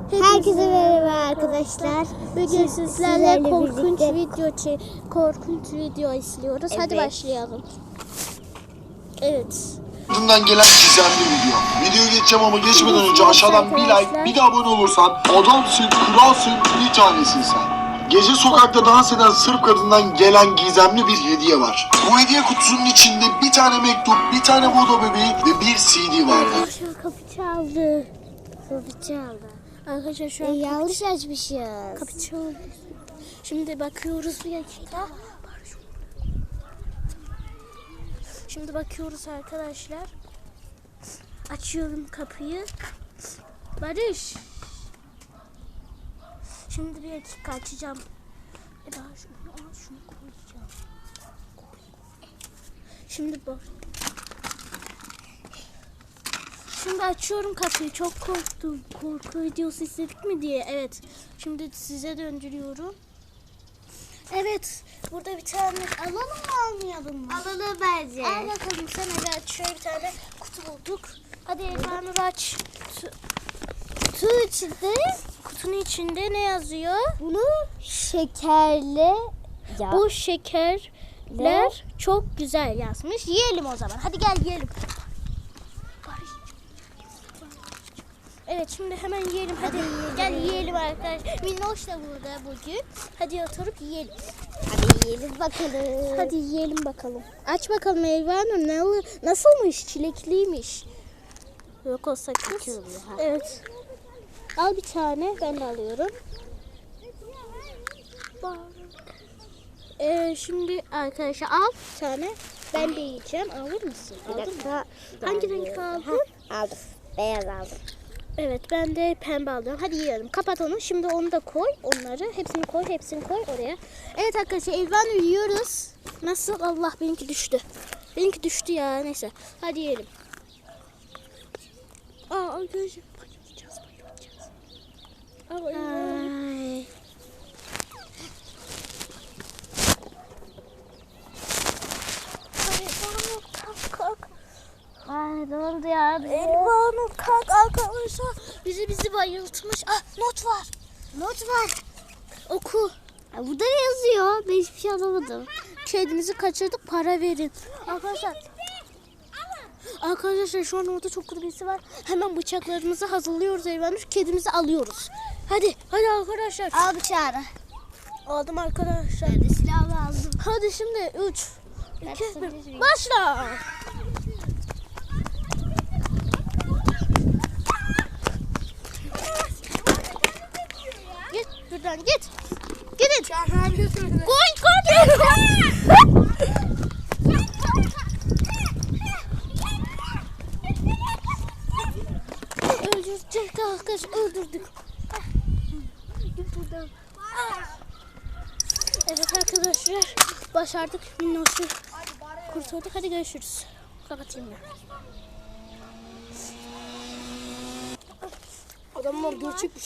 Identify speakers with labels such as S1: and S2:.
S1: Herkese merhaba arkadaşlar.
S2: Bugün sizlerle
S1: birlikte
S2: korkunç video izliyoruz.
S1: Evet.
S2: Hadi başlayalım. Evet.
S3: Ardından gelen gizemli video. Videoya geçeceğim ama geçmeden önce aşağıdan bir like, bir de abone olursan adamsın, kralsın, bir tanesin sen. Gece sokakta dans eden Sırp kadından gelen gizemli bir hediye var. Bu hediye kutusunun içinde bir tane mektup, bir tane vodo bebeği ve bir CD vardı.
S2: Arkadaşlar kapı çaldı.
S1: kapı çaldı.
S2: Arkadaşlar şu an
S1: Yanlış açmışız.
S2: kapı çaldı. Şimdi bakıyoruz bir dakika. Şimdi bakıyoruz arkadaşlar. Açıyorum kapıyı. Barış. Şimdi bir dakika açacağım. Şunu koyacağım. Şimdi bak. Şimdi açıyorum kapıyı. Çok korktum. Korku videosu izledik mi diye. Evet. Şimdi size döndürüyorum. Evet. Burada bir tane alalım mı almayalım mı?
S1: Alalım bence.
S2: Al bakalım sen, evet, şöyle bir tane kutu bulduk. Hadi ekranı aç. Kutunun içinde ne yazıyor?
S1: Bunu şekerli
S2: Bu şekerler çok güzel yazmış. Yiyelim o zaman. Hadi gel yiyelim. Evet, şimdi hemen yiyelim. Hadi gel yiyelim arkadaşlar. Minnoş da burada bugün. Hadi oturup yiyelim.
S1: Hadi yiyelim bakalım.
S2: Hadi yiyelim bakalım. Aç bakalım Elvan'ım. Nasılmış? Çilekliymiş. Yok o sakız.
S1: Açılıyor, ha.
S2: Evet. Al bir tane. Ben de alıyorum. Şimdi arkadaşlar al bir tane. Ben de yiyeceğim. Alır mısın?
S1: Bir
S2: Aldın mı?
S1: dakika.
S2: Hangi renk aldın?
S1: Aldım. Beyaz aldım.
S2: Evet, ben de pembe aldım. Hadi yiyelim. Kapat onu. Şimdi onu da koy. Onları. Hepsini koy oraya. Evet arkadaşlar, Elvan yiyoruz. Nasıl? Allah, benimki düştü. Benimki düştü ya. Neyse. Hadi yiyelim. Arkadaşlar. Bayılacağız.
S1: Ay.
S2: Kalk.
S1: Ay dondu ya.
S2: Elvan'ım kalk arkadaşlar. Bizi bayıltmış. Not var.
S1: Not var.
S2: Oku.
S1: Burada ne yazıyor? Ben hiçbir şey anlamadım.
S2: Kedinizi kaçırdık, para verin. Arkadaşlar şu an orada çok kötü birisi var. Hemen bıçaklarımızı hazırlıyoruz Elvan'ım. Kedimizi alıyoruz. Hadi arkadaşlar.
S1: Al bıçağını.
S2: Aldım arkadaşlar.
S1: Ben de silahımı aldım.
S2: Hadi şimdi 3,
S1: Ben
S2: 2,
S1: sana
S2: 1. Başla. Git buradan git. Gidin. Koy. Öldürecek arkadaş, öldürdük. Git buradan. Evet arkadaşlar, başardık. Minnoş'u kurtulduk. Hadi görüşürüz. Kapatayım ben. Adamlar gerçek